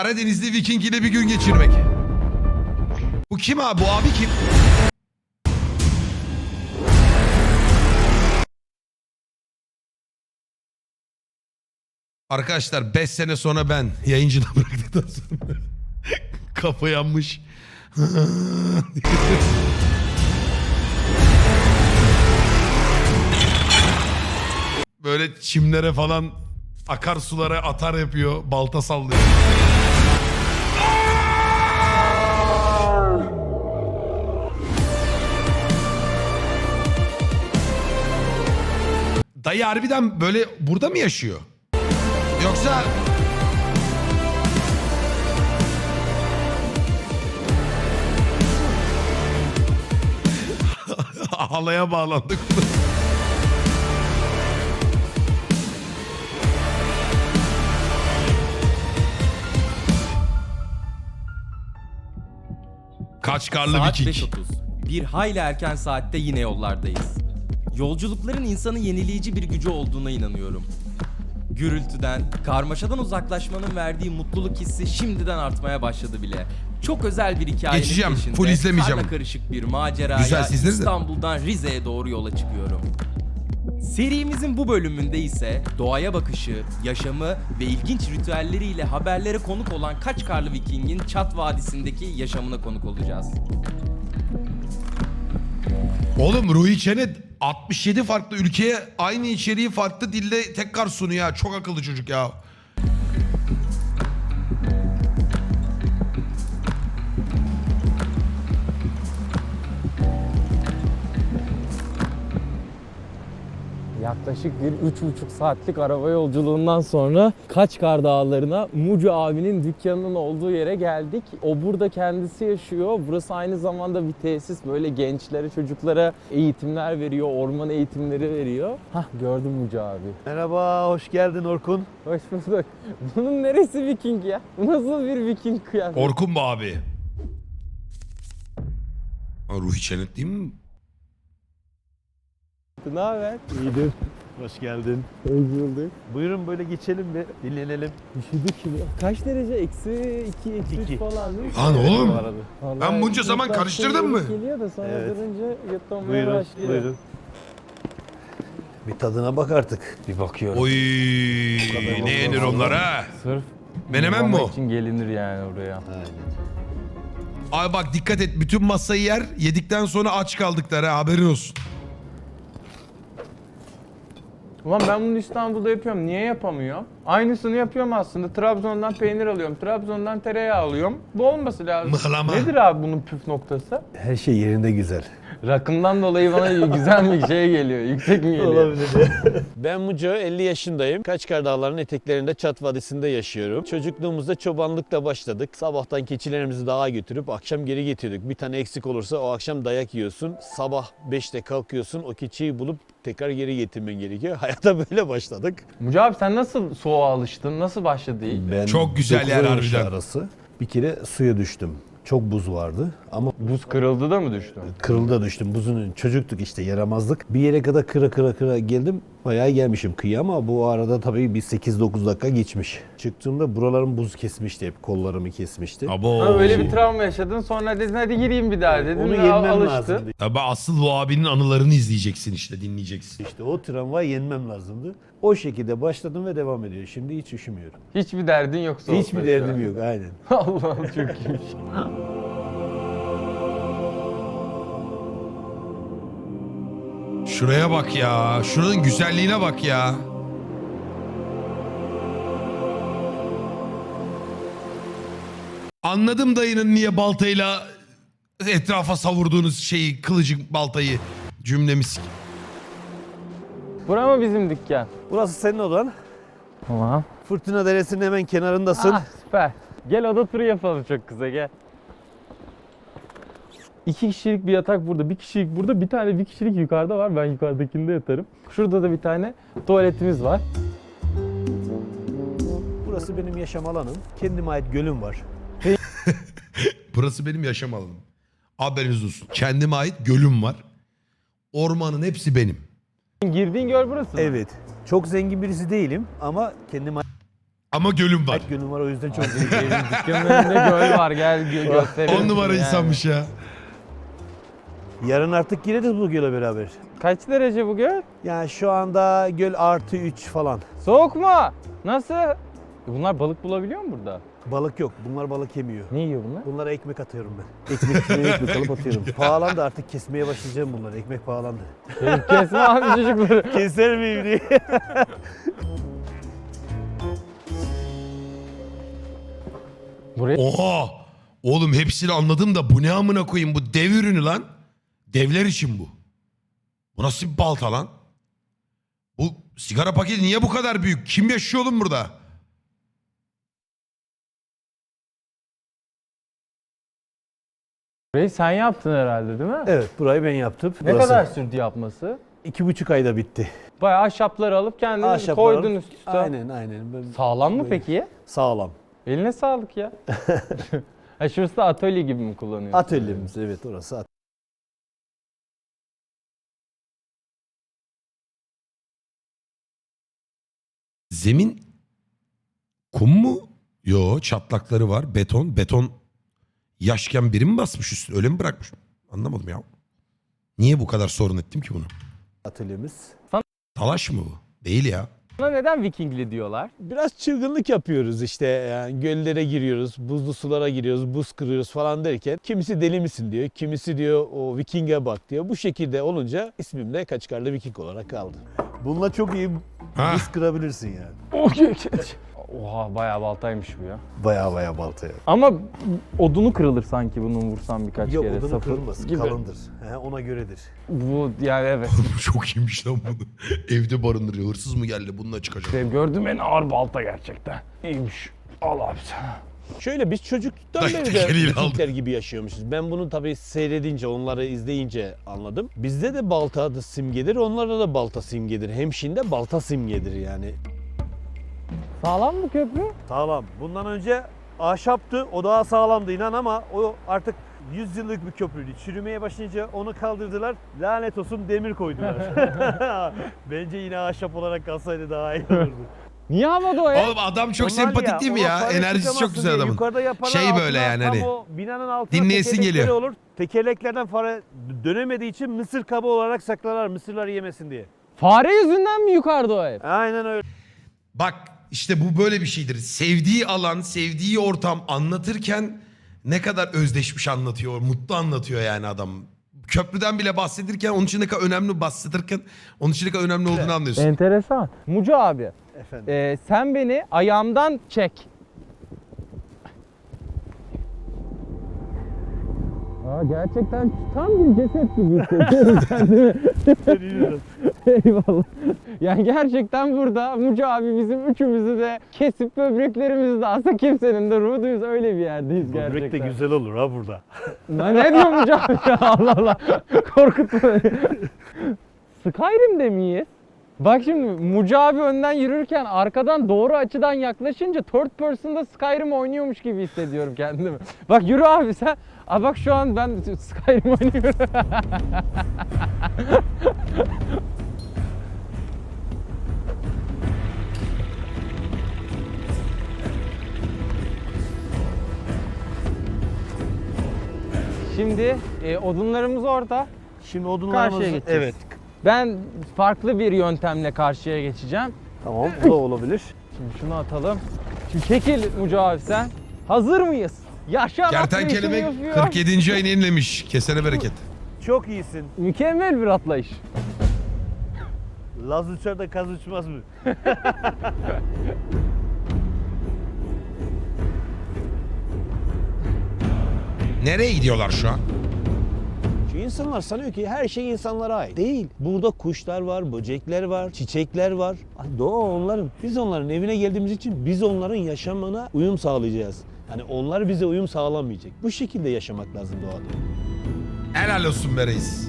Karadenizli Viking ile bir gün geçirmek. Bu kim abi? Bu abi kim? Arkadaşlar 5 sene sonra ben yayıncıda bıraktıktan sonra kafa yanmış. Böyle çimlere falan akarsulara atar yapıyor. Balta sallıyor. Dayı harbiden böyle burada mı yaşıyor? Yoksa... Halaya bağlandık. Kaçkarlı Saat Viking. 5:30. Bir hayli erken saatte yine yollardayız. Yolculukların insanı yenileyici bir gücü olduğuna inanıyorum. Gürültüden, karmaşadan uzaklaşmanın verdiği mutluluk hissi şimdiden artmaya başladı bile. Çok özel bir hikayenin Geçeceğim, peşinde full izlemeyeceğim. karla karışık bir maceraya Güzel, sizleri de. İstanbul'dan Rize'ye doğru yola çıkıyorum. Serimizin bu bölümünde ise doğaya bakışı, yaşamı ve ilginç ritüelleriyle haberlere konuk olan Kaçkarlı Viking'in Çat Vadisi'ndeki yaşamına konuk olacağız. Oğlum Ruhi Çenet 67 farklı ülkeye aynı içeriği farklı dilde tekrar sunuyor ya. Çok akıllı çocuk ya. Yaklaşık bir 3,5 saatlik araba yolculuğundan sonra Kaçkar Dağları'na Mucu abinin dükkanının olduğu yere geldik. O burada kendisi yaşıyor. Burası aynı zamanda bir tesis. Böyle gençlere, çocuklara eğitimler veriyor, orman eğitimleri veriyor. Hah, gördüm Mucu abi. Merhaba, hoş geldin Orkun. Hoş bulduk. Bunun neresi Viking ya? Bu nasıl bir Viking kıyafeti? Orkun mu abi? Ha, Ruhi Çenet değil mi? Ne haber? İyidir. Hoş geldin. Hoş bulduk. Buyurun böyle geçelim bir dinlenelim. Üşüdük şimdi. Kaç derece? Eksi 2, eksi 3 İki. falan değil mi? Lan oğlum. Bu arada. Vallahi bunca zaman yurttan karıştırdım mı? Geliyor da sonra Evet. durunca yutlamaya Buyurun, başlıyor. buyurun. Bir tadına bak artık. Bir bakıyorum. Oy ne yenir onlar ha? Sırf Menemen mi o? için gelinir yani oraya. Aynen. Abi bak dikkat et, bütün masayı yer, yedikten sonra aç kaldıkları ha, haberin olsun. Ulan ben bunu İstanbul'da yapıyorum. Niye yapamıyorum? Aynısını yapıyorum aslında. Trabzon'dan peynir alıyorum. Trabzon'dan tereyağı alıyorum. Bu olması lazım. Mıhlama. Nedir abi bunun püf noktası? Her şey yerinde güzel. Rakımdan dolayı bana güzel bir şey geliyor. Yüksek mi geliyor? Ben Muco, 50 yaşındayım. Kaçkar Dağları'nın eteklerinde Çat Vadisi'nde yaşıyorum. Çocukluğumuzda çobanlıkla başladık. Sabahtan keçilerimizi dağa götürüp akşam geri getirdik. Bir tane eksik olursa o akşam dayak yiyorsun. Sabah 5'te kalkıyorsun, o keçiyi bulup tekrar geri getirmen gerekiyor. Hayata böyle başladık. Mucu abi sen nasıl soğuğa alıştın? Nasıl başladı ilk? Ben Çok güzel yer 9 yaş harbiden. arası bir kere suya düştüm. Çok buz vardı ama Buz kırıldı da mı düştün? kırılda düştüm. Buzun çocuktuk işte, yaramazlık. Bir yere kadar kıra geldim. Bayağı gelmişim kıyıya ama bu arada tabii bir 8-9 dakika geçmiş. Çıktığımda buralarım buz kesmişti, hep kollarımı kesmişti. Abo. Ha, öyle bir travma yaşadın, sonra dedin hadi gireyim bir daha dedin. Onu ve yenmem alıştın. lazımdı. Tabii asıl bu abinin anılarını izleyeceksin işte, dinleyeceksin. İşte o travmayı yenmem lazımdı. O şekilde başladım ve devam ediyor. Şimdi hiç üşümüyorum. Hiçbir derdin yok soğukta Hiçbir şu derdim an. yok, aynen. Allah'ım çok iyiymiş. Şuraya bak ya. Şuranın güzelliğine bak ya. Anladım dayının niye baltayla etrafa savurduğunuz şeyi, kılıcı baltayı, cümlemiz. Bura mı bizim dükkan? Burası senin odan. Tamam. Fırtına Deresi'nin hemen kenarındasın. Ah, süper. Gel oda turu yapalım çok kısa gel. 2 kişilik bir yatak burada, 1 kişilik burada, bir tane 1 kişilik yukarıda var. Ben yukarıdakinde yatarım. Şurada da bir tane tuvaletimiz var. Burası benim yaşam alanım. Kendime ait gölüm var. Burası benim yaşam alanım. Haberiniz olsun. Kendime ait gölüm var. Ormanın hepsi benim. Girdiğin göl burası mı? Evet. Çok zengin birisi değilim ama kendime Ama gölüm var. Gönlüm var, o yüzden çok Evin dükkanın önünde göl var, gel gösterelim. 10 numara yani. insanmış ya. Yarın artık gireriz bu göle beraber. Kaç derece bu göl? Yani şu anda göl +3 falan. Soğuk mu? Nasıl? Bunlar balık bulabiliyor mu burada? Balık yok. Bunlar balık yemiyor. Ne yiyor bunlar? Bunlara ekmek atıyorum ben. Ekmek alıp atıyorum. Pahalandı, artık kesmeye başlayacağım bunları. Ekmek pahalandı. Kesme abi çocukları. Keser miyim diye. Buraya Oha! Oğlum hepsini anladım da bu ne amına koyayım, bu dev ürünü lan. Devler için bu. Bu nasıl bir balta lan? Bu sigara paketi niye bu kadar büyük? Kim yaşıyor oğlum burada? burayı sen yaptın herhalde değil mi? Evet, burayı ben yaptım. Ne kadar sürdü yapması? 2,5 ayda bitti. Bayağı ahşapları alıp kendiniz Ahşapları koydun alıp- üst üste. Aynen. Sağlam mı Böyle. peki? Sağlam. Eline sağlık ya. Ha, şurası da atölye gibi mi kullanıyorsun? Atölyemiz, evet, orası. Zemin kum mu? Yo, çatlakları var. Beton. Beton yaşken biri mi basmış üstüne? Öyle mi bırakmış? Anlamadım ya. Niye bu kadar sorun ettim ki bunu? Atölyemiz. Talaş mı bu? Değil ya. Buna neden Vikingli diyorlar? Biraz çılgınlık yapıyoruz işte, yani göllere giriyoruz, buzlu sulara giriyoruz, buz kırıyoruz falan derken kimisi deli misin diyor, kimisi diyor o Viking'e bak diyor. Bu şekilde olunca ismim de Kaçkarlı Viking olarak kaldı. Bununla çok iyi Ha. buz kırabilirsin yani. Oha bayağı baltaymış bu ya. Baya baltaya. Ama odunu kırılır sanki bunun vursan birkaç Yok, kere. odunu sapı kırılmaz, gibi. kalındır. Ona göredir. Bu yani evet. Çok iyiymiş lan bunu. Evde barındırıyor. Hırsız mı geldi? Bununla çıkacak. Benim gördüğüm en ağır balta gerçekten. İyiymiş. Al abi sen. Şöyle, biz çocukluktan Dayı beri de tekeriyle Vikingler aldı. gibi yaşıyormuşuz. Ben bunu tabii seyredince, onları izleyince anladım. Bizde de balta adı simgedir, onlarda da balta simgedir. Hemşin'de balta simgedir yani. Sağlam mı köprü? Sağlam. Bundan önce ahşaptı, o daha sağlamdı inan, ama o artık 100 yıllık bir köprüydü. Çürümeye başlayınca onu kaldırdılar. Lanet olsun, demir koydular. Bence yine ahşap olarak kalsaydı daha iyi olurdu. Niye havada o ya? Oğlum adam çok Onlar sempatik değil mi ona ya? para Enerjisi çok çıkamazsın güzel diye adamın. Yukarıda yaparlar, Şey böyle altına, yani tam hani. o binanın altına Dinleyesin tekerlekleri geliyor. olur. Tekerleklerden fare dönemediği için mısır kabı olarak saklarlar, mısırlar yemesin diye. Fare yüzünden mi yukarıda o ev? Aynen öyle. Bak işte bu böyle bir şeydir. Sevdiği alan, sevdiği ortam anlatırken ne kadar özdeşmiş anlatıyor, mutlu anlatıyor yani adam. Köprüden bile bahsedirken onun için ne kadar önemli bahsedirken onun için ne kadar önemli olduğunu anlıyorsun. Enteresan. Mucu abi, Efendim. sen beni ayağımdan çek. Aa, gerçekten tam bir ceset gibi hissediyorum kendimi. Eyvallah. Yani gerçekten burada Mucu abi bizim üçümüzü de kesip böbreklerimizi de alsa kimsenin de ruhu duysa öyle bir yerdeyiz gerçekten. Börek de güzel olur ha burada. Lan ne diyor Mucu abi ya? Allah Allah. Korkutma beni. Skyrim'de miyiz? Bak şimdi Mucu abi önden yürürken arkadan doğru açıdan yaklaşınca third person'da Skyrim oynuyormuş gibi hissediyorum kendimi. Bak yürü abi sen. Aa bak şu an ben Skyrim oynuyorum. Şimdi odunlarımız orada. Şimdi odunlarımız... Karşıya geçeceğiz. Evet. Ben farklı bir yöntemle karşıya geçeceğim. Tamam, bu da olabilir. Şimdi şunu atalım. Şimdi çekil Mucu abi sen. Hazır mıyız? Yaşa Kertenkeleme atlayışını yapıyor. 47. ayını yenilemiş. Kesene bereket. Çok iyisin. Mükemmel bir atlayış. Laz uçar da kaz uçmaz mı? Nereye gidiyorlar şu an? Çünkü insanlar sanıyor ki her şey insanlara ait. Değil. Burada kuşlar var, böcekler var, çiçekler var. Doğa onların. Biz onların evine geldiğimiz için biz onların yaşamına uyum sağlayacağız. Yani onlar bize uyum sağlamayacak. Bu şekilde yaşamak lazım doğada. Helal olsun be reis.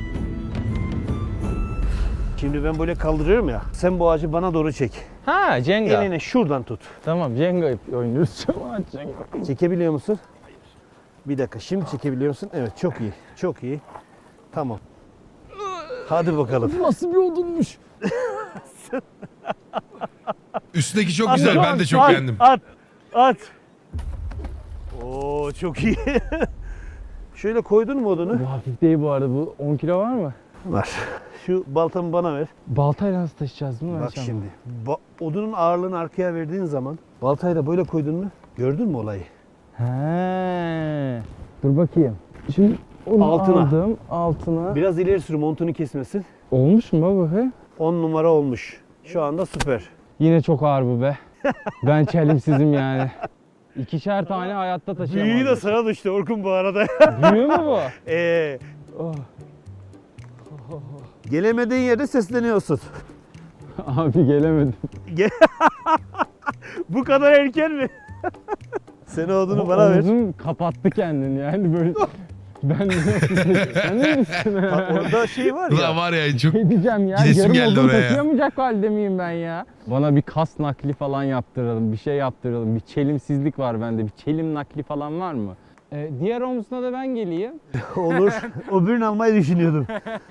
Şimdi ben böyle kaldırıyorum ya. Sen bu ağacı bana doğru çek. Ha Jenga. Eline şuradan tut. Tamam Jenga oynuyoruz şu an Jenga. Çekebiliyor musun? Hayır. Bir dakika, şimdi çekebiliyor musun? Evet, çok iyi. Çok iyi. Tamam. Hadi bakalım. Nasıl bir odunmuş? Üstündeki çok güzel. Ben de çok At, beğendim. At. Oo çok iyi. Şöyle koydun mu odunu? Bu hafif değil bu arada. Bu 10 kilo var mı? Var. Şu baltamı bana ver. Baltayla nasıl taşıyacağız değil mi? Bak şimdi. Odunun ağırlığını arkaya verdiğin zaman baltayı da böyle koydun mu? Gördün mü olayı? He. Dur bakayım. Şimdi onu Altına. aldım. Altına. Biraz ileri sür, montunu kesmesin. Olmuş mu baba? He? 10 numara olmuş. Şu anda süper. Yine çok ağır bu be. Ben çelimsizim yani. 2'şer tane hayatta taşıyamam. Büyüğü de sana düştü Orkun bu arada. Büyüğü mü bu? Oh. Gelemediğin yerde sesleniyorsun. Abi gelemedim. Bu kadar erken mi? Sen odunu bana ver. Omzum kapattı kendini yani böyle. Ben de sen ne misin? Bak orada şey var Ulan ya. var ya çok... Ne diyeceğim ya? Gidesim Yarım geldi odun oraya. taşıyamayacak halde miyim ben ya? Bana bir kas nakli falan yaptıralım, bir şey yaptıralım. Bir çelimsizlik var bende. Bir çelim nakli falan var mı? Diğer omzuna da ben geleyim. Olur. O birini almayı düşünüyordum.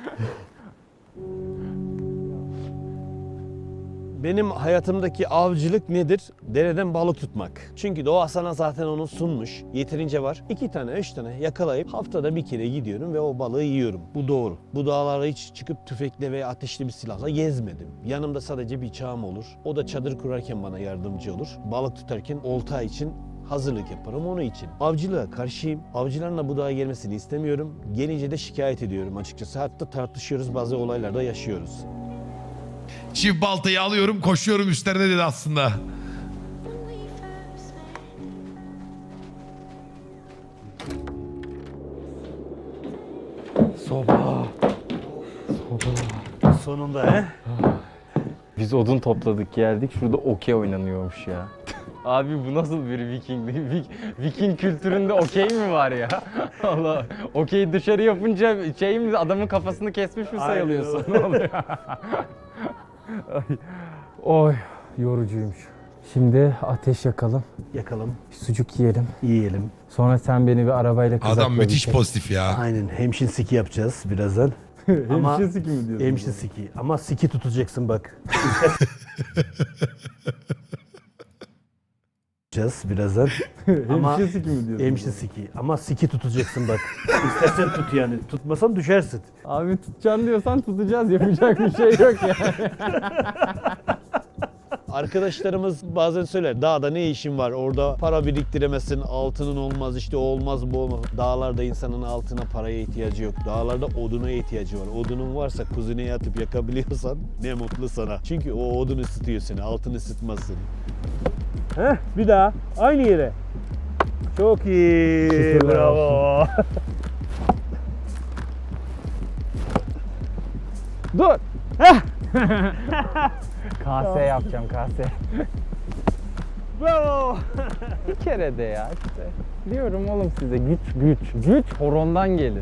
Benim hayatımdaki avcılık nedir? Dereden balık tutmak. Çünkü doğa sana zaten onu sunmuş. Yeterince var. 2 tane, 3 tane yakalayıp haftada bir kere gidiyorum ve o balığı yiyorum. Bu doğru. Bu dağlara hiç çıkıp tüfekle ve ateşli bir silahla gezmedim. Yanımda sadece bir bıçağım olur. O da çadır kurarken bana yardımcı olur. Balık tutarken olta için hazırlık yaparım onun için. Avcılığa karşıyım. Avcıların da bu dağa gelmesini istemiyorum. Gelince de şikayet ediyorum açıkçası. Hatta tartışıyoruz, bazı olaylarda yaşıyoruz. Çift baltayı alıyorum, koşuyorum üstlerine dedi aslında. Soba. Sonunda he? Biz odun topladık geldik. Şurada okey oynanıyormuş ya. Abi bu nasıl bir Viking? Viking kültüründe okey mi var ya? Allah. Okey dışarı yapınca şey mi, adamın kafasını kesmiş mi sayılıyorsun? Ne oluyor? Ay. Oy, yorucuymuş. Şimdi ateş yakalım. Yakalım, Bir sucuk yiyelim. yiyelim. Sonra sen beni bir arabayla kızakla Adam müthiş bir şey- pozitif ya. Aynen hemşin siki yapacağız birazdan. Ama Hemşire siki mi diyorsun? hemşin siki. Ama siki tutacaksın bak. yapacağız birazdan. Ama Hemşire siki mi diyorsun? hemşin siki. Ama siki tutacaksın bak. İstersen tut yani. Tutmasan düşersin. Abi tutacaksın diyorsan tutacağız. Yapacak bir şey yok yani. Arkadaşlarımız bazen söyler, dağda ne işin var, orada para biriktiremezsin, altının olmaz, işte o olmaz, bu olmaz. Dağlarda insanın altına, paraya ihtiyacı yok. Dağlarda oduna ihtiyacı var. Odunun varsa kuzineye atıp yakabiliyorsan ne mutlu sana. Çünkü o odun ısıtıyor seni, altın ısıtmaz seni. Heh, bir daha aynı yere. Çok iyi, Şükürler bravo. Dur. Kase yapacağım kase. Bravo. Bir kere de ya işte. Diyorum oğlum size güç horondan gelir.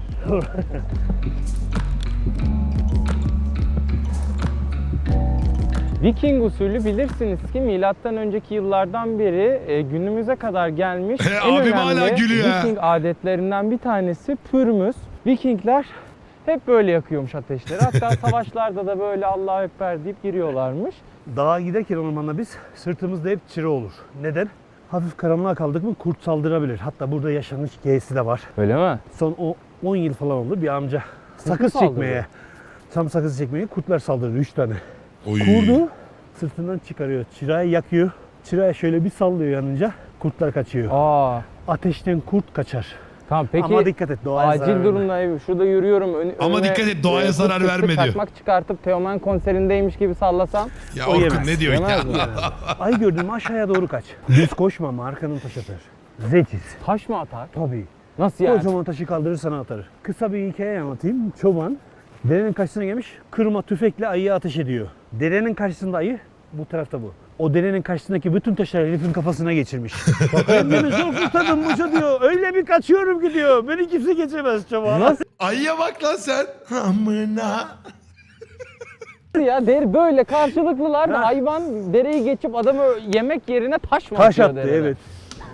Viking usulü bilirsiniz ki milattan önceki yıllardan beri günümüze kadar gelmiş en Abim hala önemli gülüyor ha. Viking adetlerinden bir tanesi pürmüz. Vikingler hep böyle yakıyormuş ateşleri. Hatta savaşlarda da böyle Allahu Ekber deyip giriyorlarmış. Dağa giderken ormanda biz sırtımızda hep çire olur. Neden? Hafif karanlığa kaldık mı kurt saldırabilir. Hatta burada yaşanmış hikayesi de var. Öyle mi? Son 10 yıl falan oldu bir amca sakız saldırıyor? çekmeye, tam sakız çekmeye kurtlar saldırdı 3 tane. Oy. Kurdu sırtından çıkarıyor, çırayı yakıyor. Çırayı şöyle bir sallıyor yanınca kurtlar kaçıyor. Aa. Ateşten kurt kaçar. Tamam peki. Ama dikkat et doğaya zarar acil verme. durumda şurada yürüyorum. Ama önüme, dikkat et, doğaya kurt zarar çıktı, verme diyor. Çakmak çıkartıp Teoman konserindeymiş gibi sallasam. Ya O Orkun yemez. ne diyor ya? Yemez mi? Ay gördün mü aşağıya doğru kaç. Düz koşma ama arkanın taş atar. Zekiz. Taş mı atar? Tabii. Nasıl yani? Kocaman taşı kaldırır sana atar. Kısa bir hikaye anlatayım. Çoban derenin karşısına gelmiş, kırma tüfekle ayıya ateş ediyor. Derenin karşısında ayı, bu tarafta bu. O derenin karşısındaki bütün taşları herifin kafasına geçirmiş. Ben beni çok kurtardım Musa diyor. Öyle bir kaçıyorum ki diyor. Beni kimse geçemez çoban. Nasıl Ayıya bak lan sen. Amına. ya? Böyle karşılıklılar da Ha. hayvan dereyi geçip adamı yemek yerine taş mı Taş atıyor attı dereden? evet.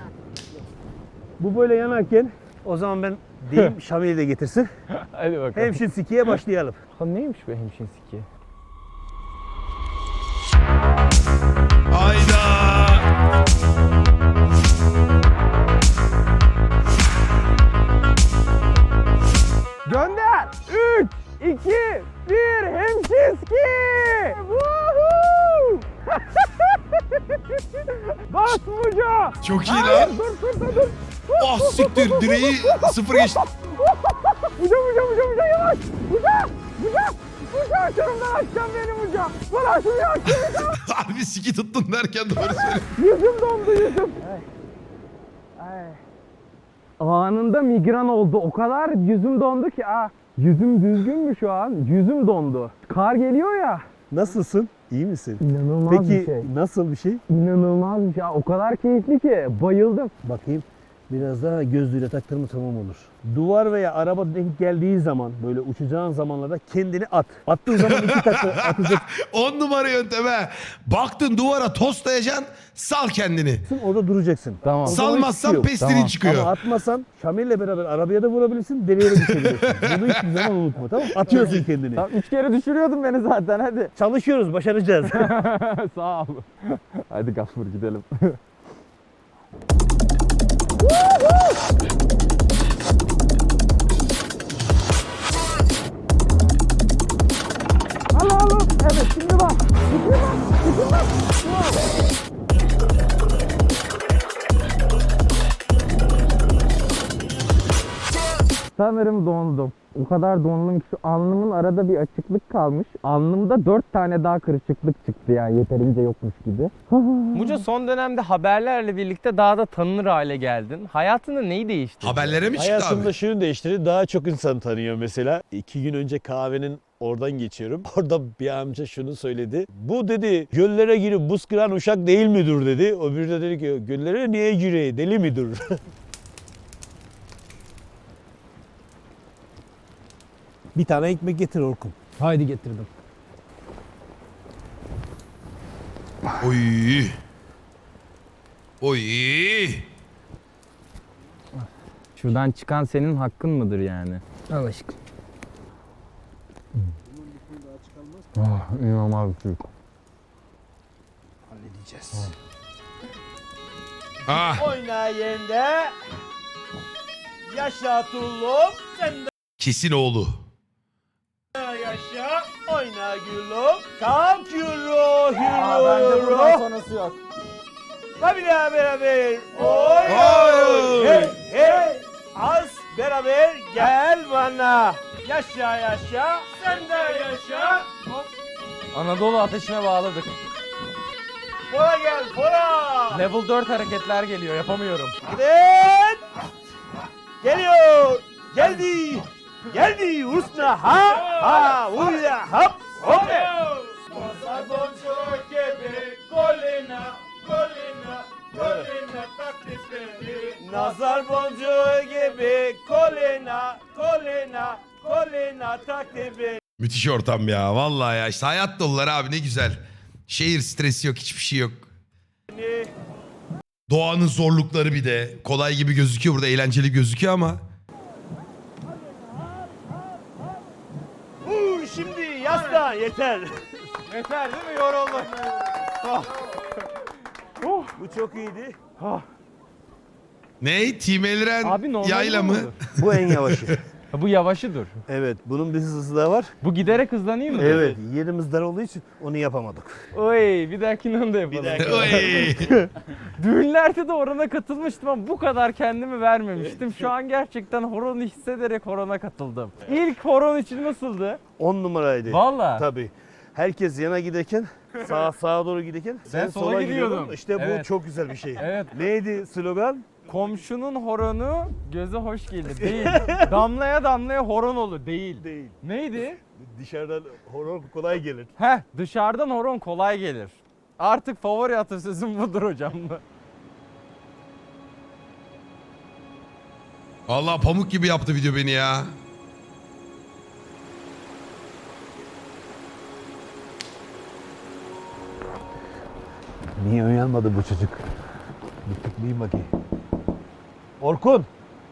Bu böyle yanarken o zaman ben diyeyim Şamil'i de getirsin. Hadi bakalım. Hemşin sikiye başlayalım. Ha, neymiş be hemşin siki? Çok iyi lan. Ah siktir direği sıfır geçti. Uca yavaş. Uca açarımdan açacağım benim uca. Bana şunu açacağım. Harbi siki tuttun derken doğru söylüyorsun. Yüzüm dondu yüzüm. Anında migren oldu. O kadar yüzüm dondu ki. Yüzüm düzgün mü şu an? Yüzüm dondu. Kar geliyor ya. Nasılsın? İyi misin? İnanılmaz bir Peki şey. nasıl bir şey? İnanılmaz bir şey. O kadar keyifli ki. Bayıldım. Bakayım. Biraz daha gözlüğüyle taktırma tamam olur. Duvar veya araba denk geldiği zaman böyle uçacağın zamanlarda kendini at. Attığın zaman 2 takla atacak. 10 numara yönteme. Baktın duvara toslayacaksın, sal kendini. Orada duracaksın. Tamam. O zaman hiçbir şey Salmazsan yok. pestilin Tamam. çıkıyor. Ama atmasan Şamil'le beraber arabaya da vurabilirsin, deliğe de düşebilirsin. Bunu hiçbir zaman unutma tamam mı? Atıyorsun kendini. Tamam, 3 kere düşürüyordun beni zaten hadi. Çalışıyoruz, başaracağız. Sağ ol. Hadi Gafur gidelim. Al. Evet şimdi bak. Sanırım dondum. O kadar dondum ki şu alnımın arada bir açıklık kalmış. Alnımda 4 tane daha kırışıklık çıktı yani yeterince yokmuş gibi. Muca son dönemde haberlerle birlikte daha da tanınır hale geldin. Hayatında neyi değiştirdi? Haberlere mi çıktı abi? Hayatımda şunu değiştirdi, daha çok insan tanıyor mesela. 2 gün önce kahvenin oradan geçiyorum. Orada bir amca şunu söyledi. Bu dedi göllere girip buz kıran uşak değil midir dedi. O bir de dedi ki göllere niye gireyim deli midir? Bir tane ekmek getir Orkun. Haydi getirdim. Oy. Oy. Şuradan çıkan senin hakkın mıdır yani? Al aşkım. İnanılmaz bir şey. Halledeceğiz. Ah, Oyna yende. Yaşa tullum. Sen de kesin oğlu. yaşa. Oyna gülüm. Kalk yürü. sonrası yok. Hadi beraber. Oy. Hey. Az beraber gel bana. Yaşa. Sen de yaşa. Anadolu ateşine bağladık. Bora gel. Bora. Level 4 hareketler geliyor yapamıyorum. Evet. Geliyor. Geldi. Usna ha. Uya hop. Hop. Masar boncuk gibi kolina taktikleri. Nazar boncuğu gibi kolina taktikleri. Müthiş ortam ya. Vallahi ya. İşte hayat dolular abi ne güzel. Şehir stresi yok, hiçbir şey yok. Doğanın zorlukları bir de. Kolay gibi gözüküyor burada, eğlenceli gözüküyor ama. Şimdi yasla yeter. Yeter değil mi? Yoruldum. Bu çok iyiydi. Ne? Team Elren Abi normal yayla mı? Bu en yavaşı. Bu yavaşı dur. Evet, bunun bir hızlısı da var. Bu giderek hızlanıyor mu? Evet, yerimiz dar olduğu için onu yapamadık. Oy bir dahakine onu da yapalım. Oy. Düğünlerde de horona katılmıştım ama bu kadar kendimi vermemiştim. Şu an gerçekten horonu hissederek horona katıldım. İlk horon için nasıldı? 10 numaraydı. Valla. Tabii. Herkes yana giderken, sağa doğru giderken sen sola gidiyordun. gidiyordum. İşte bu Evet. çok güzel bir şey. Evet. Neydi slogan? Komşunun horonu göze hoş gelir. Değil. Damlaya damlaya horon olur. Değil. Değil. Neydi? Dışarıdan horon kolay gelir. Dışarıdan horon kolay gelir. Artık favori atasözüm budur hocam. Vallahi pamuk gibi yaptı video beni ya. Niye uyanmadı bu çocuk? Bir tıklayayım bakayım. Orkun!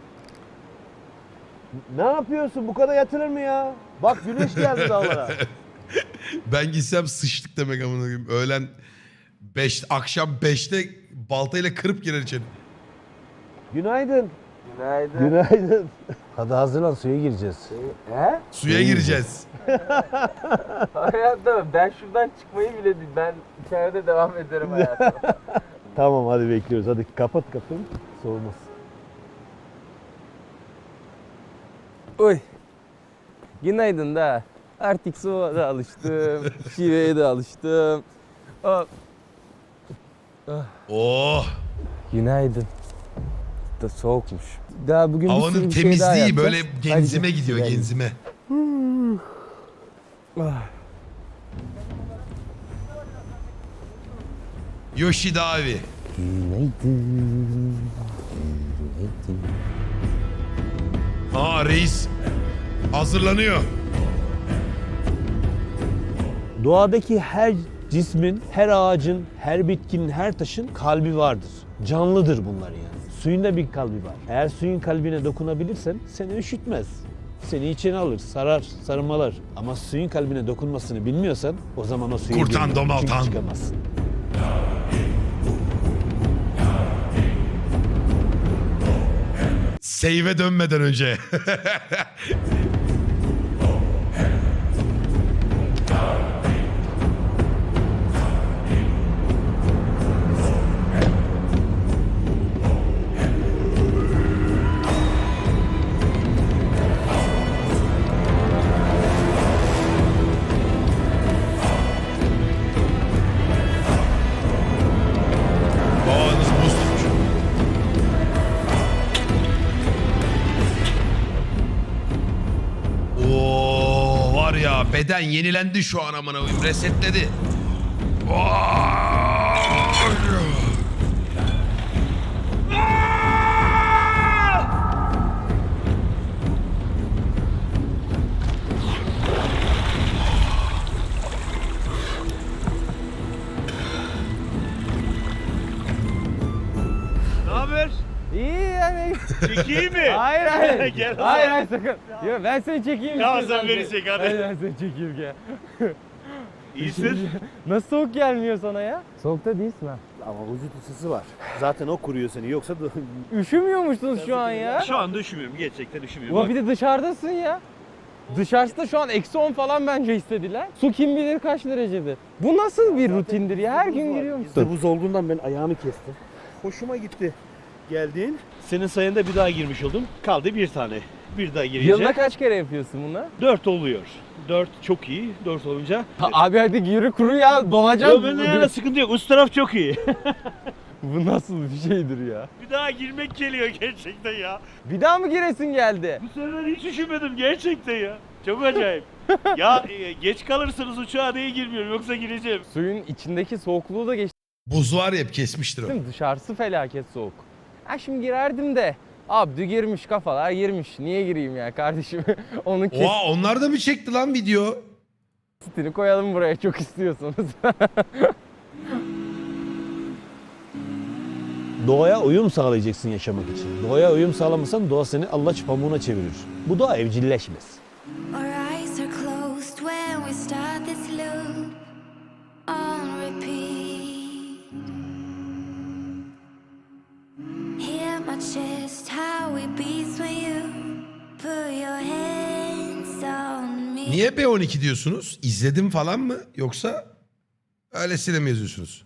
Ne yapıyorsun? Bu kadar yatılır mı ya? Bak güneş geldi dağlara. Ben gitsem sıçtık demek amına koyayım. Öğlen 5, akşam 5'te baltayla kırıp girer içeri. Günaydın. Günaydın. Günaydın. Hadi hazırlan suya gireceğiz. Suya gireceğiz. Hayatta ben şuradan çıkmayı bile değil. Ben içeride devam ederim hayatıma. Tamam hadi bekliyoruz. Hadi kapat kapıyı. Soğumaz. Oy. Günaydın da. Artık soğuğa da alıştım. Şiveye de alıştım. Oh. Günaydın. Da soğukmuş. Daha bugün bir sürü Havanın bir şey daha temizliği yapacağız. böyle genzime Hadi. gidiyor, Gel. genzime. Yoshida abi. Günaydın. Günaydın. Aa reis hazırlanıyor. Doğadaki her cismin, her ağacın, her bitkinin, her taşın kalbi vardır. Canlıdır bunlar yani. Suyun da bir kalbi var. Eğer suyun kalbine dokunabilirsen seni üşütmez. Seni içine alır, sarar, sarmalar. Ama suyun kalbine dokunmasını bilmiyorsan o zaman o suya Kurtan, girme. domaltan. Çünkü çıkamazsın. Save'e dönmeden önce. Babanız buz tutmuş. Oo var ya beden yenilendi şu an amına koyayım, resetledi. Ne haber? İyi yani. Çekeyim mi? Hayır hayır. Gel o hayır zaman. hayır sakın. Yo, ben seni çekeyim. Tamam, istiyorsan sen beni seni. çek, hadi. Hayır, ben seni çekeyim gel. İyisin. Nasıl soğuk gelmiyor sana ya? Soğukta değilsin ha. Ama vücut ısısı var. Zaten o kuruyor seni. Yoksa Üşümüyormuşsunuz şu an ya. Şu anda üşümüyorum. Gerçekten üşümüyorum. Ulan bir de dışarıdasın ya. Dışarısı da şu an -10 falan bence istediler. Su kim bilir kaç derecedir. Bu nasıl bir rutindir ya? Her gün giriyor musun? Bizde buz olduğundan ben ayağımı kestim. Hoşuma gitti. Geldin. Senin sayende bir daha girmiş oldum. Kaldı bir tane. Bir daha gireceğim. Yılda kaç kere yapıyorsun bunu? 4 oluyor. 4 çok iyi. 4 olunca. Abi hadi yürü kuru ya donacaksın. Yo, ben sıkıntı yok. Üst taraf çok iyi. Bu nasıl bir şeydir ya? bir daha girmek geliyor gerçekten ya. Bir daha mı giresin geldi? Bu sefer hiç üşümedim gerçekten ya. Çok acayip. ya geç kalırsanız uçağa niye girmiyorum yoksa gireceğim. Suyun içindeki soğukluğu da geçtim. Buz var ya hep kesmiştir o. Dışarısı felaket soğuk. Ha şimdi girerdim de. Abdü girmiş kafalar girmiş. Niye gireyim ya kardeşim? Onun Oha onlar da mı çekti lan video? kesitini koyalım buraya çok istiyorsanız. Doğaya uyum sağlayacaksın yaşamak için. Doğaya uyum sağlamasan doğa seni allaç pamuğuna çevirir. Bu doğa evcilleşmez. Our eyes are closed when we start this loop on repeat. Hear my chest, how it beats when you put your hands on me. Niye B12 diyorsunuz? İzledim falan mı? Yoksa öylesine mi yazıyorsunuz?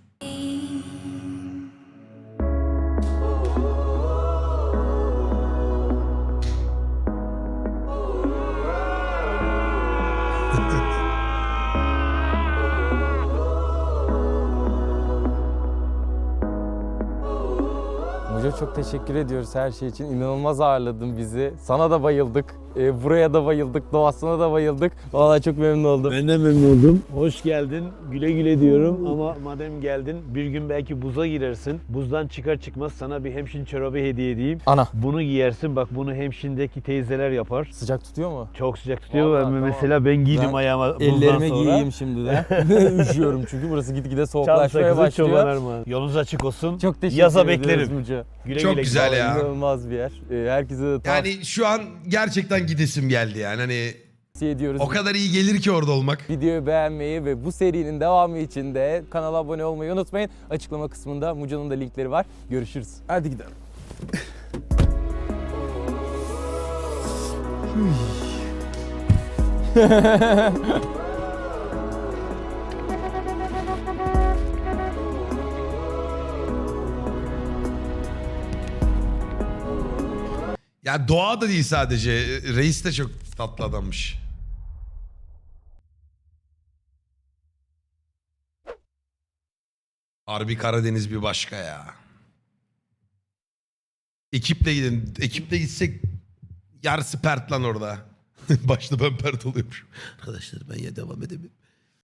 Mujo çok teşekkür ediyoruz her şey için. İnanılmaz ağırladın bizi. Sana da bayıldık. Buraya da bayıldık. Doğasına da bayıldık. Vallahi çok memnun oldum. Ben de memnun oldum. Hoş geldin. Güle güle diyorum ama madem geldin bir gün belki buza girersin. Buzdan çıkar çıkmaz sana bir hemşin çorabı hediye edeyim. Ana. Bunu giyersin. Bak bunu hemşindeki teyzeler yapar. Sıcak tutuyor mu? Çok sıcak tutuyor. Vallahi, Ve tamam. mesela ben giydim Ben ayağıma buzdan Ellerime sonra. giyeyim şimdi de. Üşüyorum çünkü burası gitgide Çam soğuklaşmaya sakızı çoban başlıyor. armağanı. Yolunuz açık olsun. Çok teşekkür Yaza ediyoruz beklerim. Mujo. Güle Çok güle. güzel ya. İnanılmaz bir yer. Herkese de Yani şu an gerçekten gidesim geldi yani hani tavsiye ediyoruz. o kadar iyi gelir ki orada olmak. Videoyu beğenmeyi ve bu serinin devamı için de kanala abone olmayı unutmayın. Açıklama kısmında Mujo'nun da linkleri var. Görüşürüz. Hadi gidelim. Ya doğa da değil sadece. Reis de çok tatlı adammış. Harbi Karadeniz bir başka ya. Ekiple gidin. Ekiple gitsek yarısı pert lan orada. Başta ben pert oluyormuşum. Arkadaşlar ben ya devam edemiyorum.